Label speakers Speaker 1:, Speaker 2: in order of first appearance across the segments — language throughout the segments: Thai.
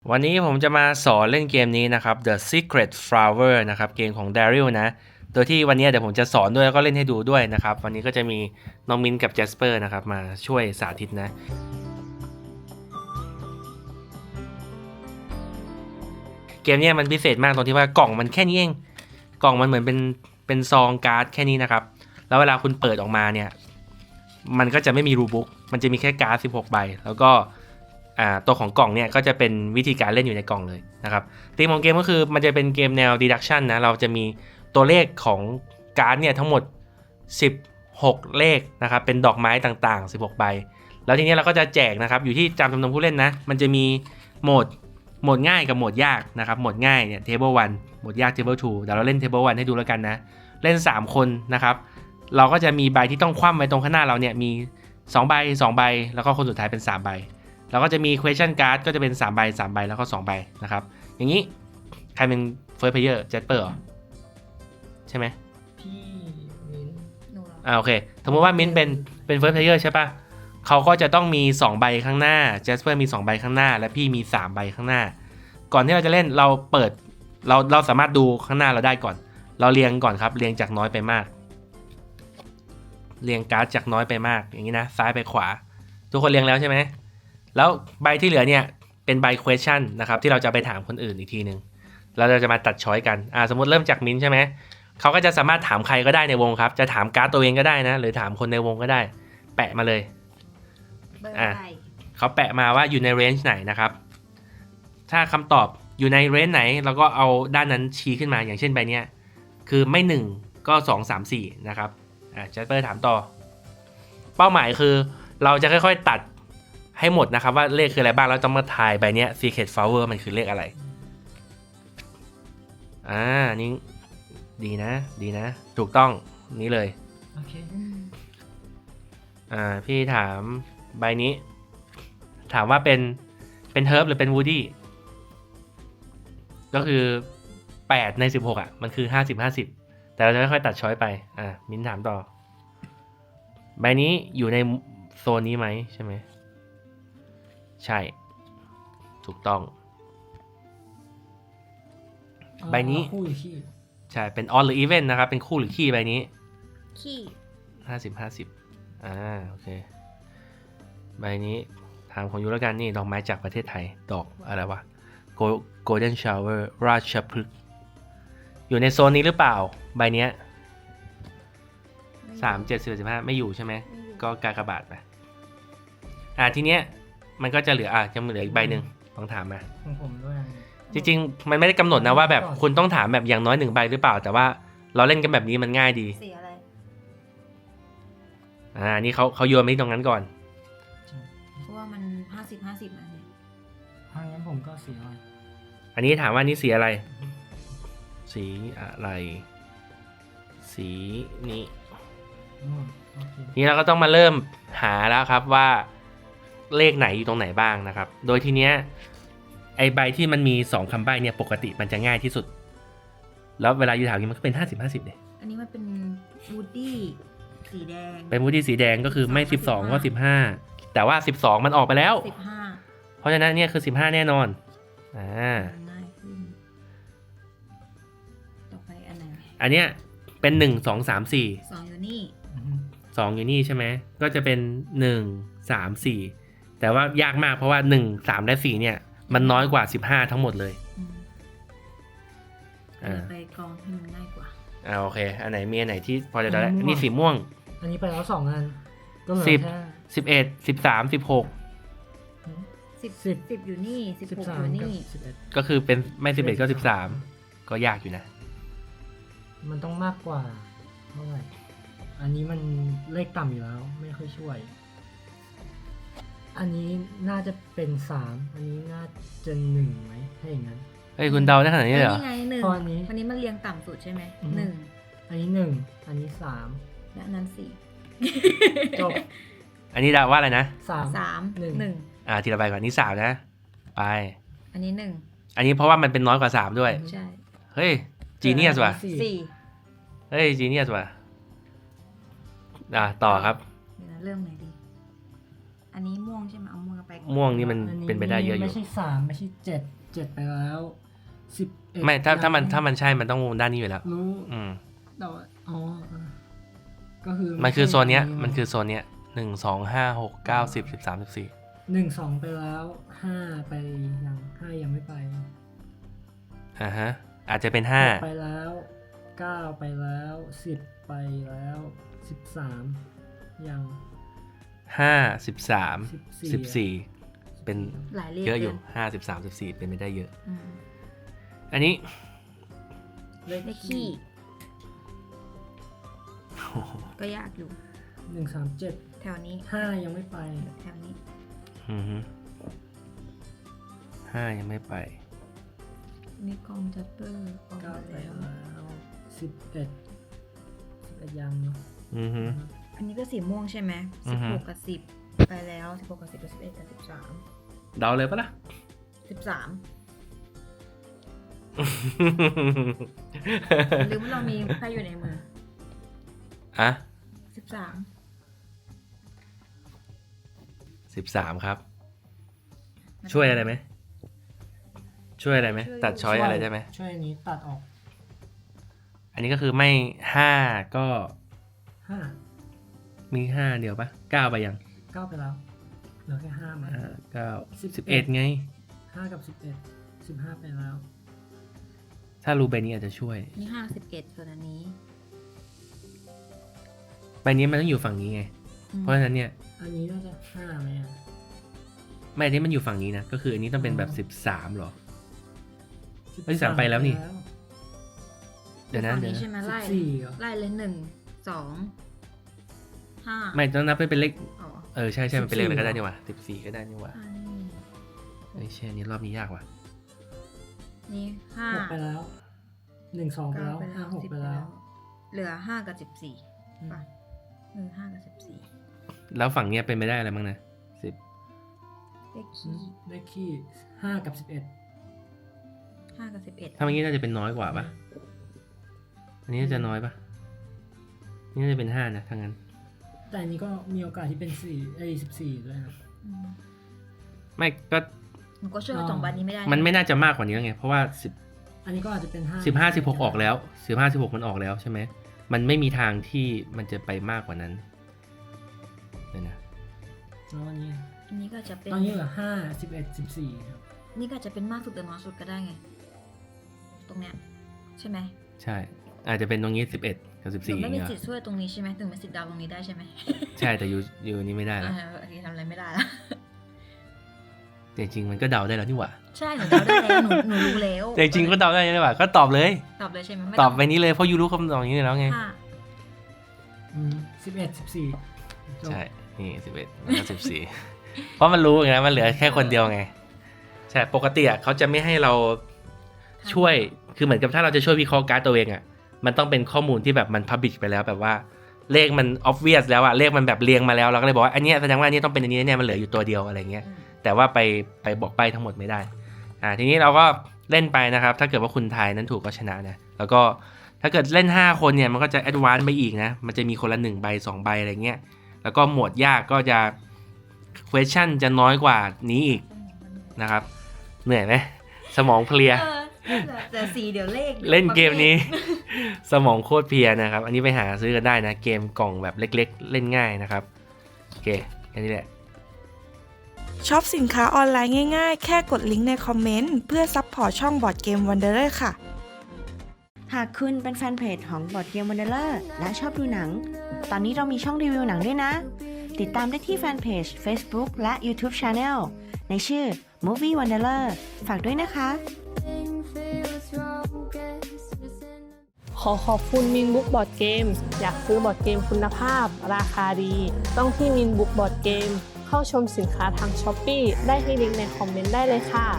Speaker 1: วันนี้ผมจะมาสอนเล่นเกมนี้นะครับ The Secret Flower นะครับเกมของ Daryl นะโดยที่วันนี้เดี๋ยวผมจะสอนด้วยแล้วก็เล่นให้ดูด้วยนะครับวันนี้ก็จะมีน้องมิ้นกับ Jasper นะครับมาช่วยสาธิตนะเกมนี้มันพิเศษมากตรงที่ว่ากล่องมันแค่นี้เองกล่องมันเหมือนเป็นซองการ์ดแค่นี้นะครับแล้วเวลาคุณเปิดออกมาเนี่ยมันก็จะไม่มีรูบุ๊กมันจะมีแค่การ์ด16 ใบแล้วก็ตัวของกล่องเนี่ยก็จะเป็นวิธีการเล่นอยู่ในกล่องเลยนะครับธีมของเกมก็คือมันจะเป็นเกมแนว deduction นะเราจะมีตัวเลขของการ์ดเนี่ยทั้งหมด16เลขนะครับเป็นดอกไม้ต่างๆ16ใบแล้วทีนี้เราก็จะแจกนะครับอยู่ที่จำจำนวนผู้เล่นนะมันจะมีโหมดง่ายกับโหมดยากนะครับโหมดง่ายเนี่ย table 1โหมดยาก table 2เดี๋ยวเราเล่น table 1ให้ดูแล้วกันนะเล่น3คนนะครับเราก็จะมีใบที่ต้องคว่ำไว้ตรงข้างหน้าเราเนี่ยมี2ใบ2ใบแล้วก็คนสุดท้ายเป็น3ใบแล้วก็จะมี question card ก็จะเป็น3ใบ3ใบแล้วก็2ใบนะครับอย่างนี้ใครเป็น first player Jasper เหรอใช่ไหม
Speaker 2: พี่มิ้น
Speaker 3: หนูเหรอ
Speaker 1: โอเคสมมติว่ามิ้นเป็น first player ใช่ปะเขาก็จะต้องมี2ใบข้างหน้า Jasper มี2ใบข้างหน้าและพี่มี3ใบข้างหน้าก่อนที่เราจะเล่นเราเปิดเราสามารถดูข้างหน้าเราได้ก่อนเราเรียงก่อนครับเรียงจากน้อยไปมากเรียงการ์ดจากน้อยไปมากอย่างนี้นะซ้ายไปขวาทุกคนเรียงแล้วใช่ไหมแล้วใบที่เหลือเนี่ยเป็นใบ question นะครับที่เราจะไปถามคนอื่นอีกทีหนึ่งเราจะมาตัดช้อยกันสมมติเริ่มจากมิ้นใช่ไหมเขาก็จะสามารถถามใครก็ได้ในวงครับจะถามการ์ดตัวเองก็ได้นะหรือถามคนในวงก็ได้แปะมาเลย
Speaker 3: เบอร์อะไร
Speaker 1: เขาแปะมาว่าอยู่ในเรนจ์ไหนนะครับถ้าคำตอบอยู่ในเรนจ์ไหนเราก็เอาด้านนั้นชี้ขึ้นมาอย่างเช่นใบเนี้ยคือไม่1ก็2 3 4นะครับจัสเปอร์ถามต่อเป้าหมายคือเราจะค่อยๆตัดให้หมดนะครับว่าเลขคืออะไรบ้างแล้วต้องมาทายใบเนี้ย Secret Flower มันคือเลขอะไรนี่ดีนะถูกต้องนี้เลย
Speaker 2: โอเค
Speaker 1: พี่ถามใบนี้ถามว่าเป็นเฮิร์บหรือเป็นวูดี้ก็คือ8ใน16มันคือ50แต่เราจะค่อยๆตัดช้อยไปมิ้นถามต่อใบนี้อยู่ในโซนนี้ไหมใช่ไหมใช่ถูกต้องใบนี้
Speaker 2: คู่หรือขี้
Speaker 1: ใช่เป็น on หรือ even นะครับเป็นคู่หรือขี้ใบนี้
Speaker 3: ขี้
Speaker 1: 50โอเคใบนี้ถามของยูแล้วกันนี่ดอกไม้จากประเทศไทยดอกอะไรวะ golden shower ราชพฤกษ์อยู่ในโซนนี้หรือเปล่าใบเนี้ย3 7 10 15ไม่อยู่ใช่ไหมก็กากบาทไปทีเนี้ยมันก็จะเหลือจะเหลืออีกใบหนึ่งลองถามมา
Speaker 2: ของผมด้วย
Speaker 1: จริงๆมันไม่ได้กำหนดนะว่าแบบคุณต้องถามแบบอย่างน้อย1ใบหรือเปล่าแต่ว่าเราเล่นกันแบบนี้มันง่ายดี
Speaker 3: สีอะไร
Speaker 1: นี่เขาโยนมาที่ตรงนั้นก่อน
Speaker 3: เพราะว่ามัน50นะเนี่ย
Speaker 2: ถ้างั้นผมก็สีอะไร
Speaker 1: อันนี้ถามว่านี่สีอะไรสีอะไรสีนี้นี่เราก็ต้องมาเริ่มหาแล้วครับว่าเลขไหนอยู่ตรงไหนบ้างนะครับโดยทีเนี้ยไอใบที่มันมี2คำใบ้เนี่ยปกติมันจะง่ายที่สุดแล้วเวลาอยู่ถามนี้มันก็เป็น50เนี่ย
Speaker 3: อันนี้มันเป็นวูดดี้สีแดง
Speaker 1: เป็นวูดดี้สีแดงก็คือไม่12ก็15แต่ว่า12มันออกไปแล้ว
Speaker 3: 15
Speaker 1: เพราะฉะนั้นเนี่ยคือ15แน่นอน
Speaker 3: ง่ายขึ้นต่อไปอันไหน
Speaker 1: อันเนี้ยเป็น1 2 3 4
Speaker 3: 2อยู่นี่
Speaker 1: 2อยู่นี่ใช่ไหมก็จะเป็น1 3 4แต่ว่ายากมากเพราะว่า1 3และ4เนี่ยมันน้อยกว่า15ทั้งหมดเลย
Speaker 3: ไปกองให้มันง่ายกว่า
Speaker 1: โอเคอันไหนมีอันไหนที่พอจะได้นี่สีม่วง
Speaker 2: อันนี้ไปแล้ว2อันก็เหลือแค่
Speaker 1: 10 11 13 16
Speaker 3: 10อยู่นี่16อยู่นี่
Speaker 1: ก็คือเป็นไม่11ก็13ก็ยากอยู่นะ
Speaker 2: มันต้องมากกว่าเท่าไหร่อันนี้มันเลขต่ำอยู่แล้วไม่ค่อยช่วยอันนี้น่าจะเป็น3อันนี้น่าจะ1ไหมถ้าอย่างนั้น
Speaker 1: เฮ้ยคุณเดาได้ขนาดนี้เลยเหรอ
Speaker 3: นี่ไง1อันนี้มันเรียงต่ำสุดใช่ไหม1
Speaker 2: อันนี้1อันนี้3
Speaker 3: และนั้น
Speaker 2: 4จบ
Speaker 1: อันนี้เดาว่าอะไรนะ
Speaker 3: 3 1
Speaker 1: ทีละใบก่อนนี่3นะไป
Speaker 3: อันนี้
Speaker 1: 1อันนี้เพราะว่ามันเป็นน้อยกว่า3ด้วย
Speaker 3: ใช่
Speaker 1: เฮ้ยจีเนียสว่ะ
Speaker 3: 4
Speaker 1: เฮ้ยจีเนียสว่ะต่อครับ
Speaker 3: เริ่มไหนดีอันนี้ม่วงใช่ไหมเอาม่วงไปก่อน
Speaker 1: ม่วงนี่มันเป็นไปได้เยอะอยู่
Speaker 2: ไม่ใช่3ไม่ใช่7ไปแล้ว11
Speaker 1: ไม่ถ้ามันใช่มันต้องด้านนี้อยู่แล้ว
Speaker 2: รู้
Speaker 1: อืม
Speaker 2: แต่ว่าก็คือ
Speaker 1: มันคือโซนเนี้ยมันคือโซนเนี้ย1 2 5 6 9 10 13 14
Speaker 2: 1 2ไปแล้ว5ไปยังไม่ไป
Speaker 1: ฮะอาจจะเป็น
Speaker 2: 6ไปแล้ว9ไปแล้ว10ไปแล้ว13ยัง
Speaker 1: 5 13 14เป็น
Speaker 3: หลายเลข
Speaker 1: เยอะอยู่5 13 14เป็นไม่ได้เยอะ
Speaker 3: อืม
Speaker 1: อันนี้
Speaker 3: เลขขี้ก็ยากอยู่
Speaker 2: 1 3 7
Speaker 3: แถวนี้
Speaker 2: 5ยังไม่ไป
Speaker 3: แถวนี้
Speaker 1: อือฮึ5ยังไม่ไป
Speaker 3: มีกองจัปเปอร์ออกมา
Speaker 2: 9ไป
Speaker 3: แล้ว
Speaker 2: แล้ว11ยังเนาะ
Speaker 1: อือฮึ
Speaker 3: อันนี้ก็สีม่วงใช่ไหม
Speaker 1: อือฮึ
Speaker 3: 16กับ10ไปแล้ว16กับ10กับ11กับ13
Speaker 1: เดาเลยปะล่ะ
Speaker 3: 13หรือว่าเรามีไพ่อยู่ในมือ
Speaker 1: อ่ะ
Speaker 3: 13
Speaker 1: 13ครับ ช่วยอะไรไหมช่วยอะไรไหมตัดช้อยอะไรได้ไหม
Speaker 2: ช่วยอันนี้ตัดออก
Speaker 1: อันนี้ก็คือไม่5ก็
Speaker 2: 5
Speaker 1: มี5เดียวปะ9ไปยัง
Speaker 2: 9ไปแล้วเหลือแค่5มา
Speaker 1: 9 11ไง
Speaker 2: 5กับ11 15ไปแล้ว
Speaker 1: ถ้ารู้ใบนี้อาจจะช่วย
Speaker 3: นี่5 11ส่วนอันนี้
Speaker 1: ใบนี้มันต้องอยู่ฝั่งนี้ไง เพราะฉะนั้นเนี่ย
Speaker 2: อันนี้น่าจะ5ไหมอ่ะ
Speaker 1: ไม่อันนี้มันอยู่ฝั่งนี้นะก็คืออันนี้ต้องเป็นแบบ13หรอ เฮ้ย3ไปแล้วนี่ เดี๋ยวนะ
Speaker 3: ฝั่ง
Speaker 1: เดี๋ยว
Speaker 3: นี้
Speaker 1: นะ
Speaker 3: ใช่ไหมไล่
Speaker 2: 14เหรอ
Speaker 3: ไล่เลย1 2 5
Speaker 1: ไม่ต้องนับเป็นเลข
Speaker 3: อ๋อ
Speaker 1: ใช่มันเป็นเลขอะไรก็ได้นี่หว่า14ก็ได้นี่หว่า
Speaker 3: อันนี้
Speaker 1: เฮ้ยเช่นนี้รอบนี้ยากว่ะ
Speaker 3: นี่
Speaker 2: 6ไป
Speaker 3: 5
Speaker 2: แล้ว1 2ไปแล้ว5 6ไปแล้ว
Speaker 3: เหลือ5กับ14ป่ะ5กับ14
Speaker 1: แล้วฝั่งเนี้ยเป็นไปได้อะไรบ้างนะ10
Speaker 3: เลขขี้
Speaker 2: ได้ขี้5กับ11
Speaker 3: 5กับ11
Speaker 1: ถ้าเมื่อกี้น่าจะเป็นน้อยกว่าปะอันนี้น่าจะน้อยปะนี่น่าจะเป็น5นะถ้างั้น
Speaker 2: แต่อันนี้ก็มีโอกาสที่เป็น14ด้วยนะ
Speaker 3: อืม
Speaker 1: ไม่ก็
Speaker 3: หนูก็ช่วยตรงบันนี้ไม่ได้
Speaker 1: มันไม่น่าจะมากกว่านี้แล้วไงเพราะว่า
Speaker 2: อันนี้ก็อาจจะเป็น5
Speaker 1: 15 16ออกแล้ว15 16มันออกแล้วใช่ไหมมันไม่มีทางที่มันจะไปมากกว่านั้นเดี๋ยวนะ
Speaker 2: แล้วอันนี้
Speaker 3: อันนี้ก็จะเป็น
Speaker 2: ตอนนี้เหลือ5 11 14ครับ
Speaker 3: นี่ก็จะเป็นมากสุดหรือน้อยสุดก็ได้ไง ตรงเนี้ยใช่ไหม
Speaker 1: ใช่อาจจะเป็นตรงนี้11กับ
Speaker 3: หนู
Speaker 1: 14
Speaker 3: ไม่มี
Speaker 1: เงี้ย
Speaker 3: สิทธิ์ช่วยตรงนี้ใช่ไหมถึงมีสิทธิ์เดาวตรงนี้ได้ใช่ไหม
Speaker 1: ใช่แต่อยู่นี้ไม่ได้แล้ว
Speaker 3: โอเคทำอะไรไม่ได้แล้ว
Speaker 1: แต่จริงๆมันก็เดาได้แล้วนี่หว่า
Speaker 3: ใช่หนูเดาได้แล้วหนูรู้แล้ว
Speaker 1: แต่จริงๆก็เดาได้นี่หว่าก็ตอบเลย
Speaker 3: ตอบเลยใช่ไหมม่
Speaker 1: ตอบไปนี้เลยเพราะยูรู้คำตอบอย่างนี้แล้วไง
Speaker 3: ค่ะ
Speaker 2: 11 14
Speaker 1: ใช่นี่11แล้วก็14 เพราะมันรู้ไงมันเหลือแค่คนเดียวไงใช่ปกติอ่ะเขาจะไม่ให้เราช่วยคือเหมือนกับถ้าเราจะช่วยวิเคราะห์การ์ดตัวเองอ่ะมันต้องเป็นข้อมูลที่แบบมันพับลิชไปแล้วแบบว่าเลขมัน obvious แล้วอ่ะเลขมันแบบเรียงมาแล้วเราก็เลยบอกว่าอันเนี้ยแสดงว่าอันนี้ต้องเป็นอันนี้เนี่ยมันเหลืออยู่ตัวเดียวอะไรเงี้ยแต่ว่าไปบอกใบทั้งหมดไม่ได้ทีนี้เราก็เล่นไปนะครับถ้าเกิดว่าคุณทายนั้นถูกก็ชนะนะแล้วก็ถ้าเกิดเล่น5คนเนี่ยมันก็จะ advance ไปอีกนะมันจะมีคนละ1ใบ2ใบอะไรเงี้ยแล้วก็หมวดยากก็จะ question จะน้อยกว่านี้อีกนะครับเหนื่อยไหมสมองเพลีย
Speaker 3: แต่สีเดี๋ยวเลข
Speaker 1: เล่นเกมนี้ สมองโคตรเพลียนะครับอันนี้ไปหาซื้อกันได้นะเกมกล่องแบบเล็กๆเล่นง่ายนะครับโอเคแค่นี้แหละ
Speaker 4: ช็อปสินค้าออนไลน์ง่ายๆ แค่กดลิงก์ในคอมเมนต์เพื่อซัพพอร์ตช่องบอร์ดเกมวันเดอร์ค่ะ
Speaker 5: หากคุณเป็นแฟนเพจของบอร์ดเกมวันเดอร์และชอบดูหนัง ตอนนี้เรามีช่องรีวิวหนังด้วยนะ ติดตามได้ที่แฟนเพจ Facebook และ YouTube Channel ในชื่อ Movie Wanderer ฝากด้วยนะคะ
Speaker 6: ขอขอบคุณมินบุ๊กบอร์ดเกมอยากซื้อบอร์ดเกมคุณภาพราคาดี ต้องที่มินบุ๊กบอร์ดเกมเข้าชมสินค้าทาง Shopee ได้ที่ลิงก์ในคอมเมนต์ได้เลยค่ะ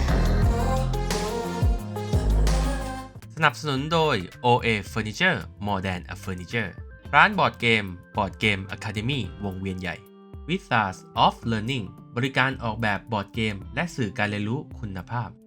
Speaker 1: สนับสนุนโดย OA Furniture More Than a Furniture ร้านบอร์ดเกม Board Game Academy วงเวียนใหญ่ Wizards of Learning บริการออกแบบบอร์ดเกมและสื่อการเรียนรู้คุณภาพ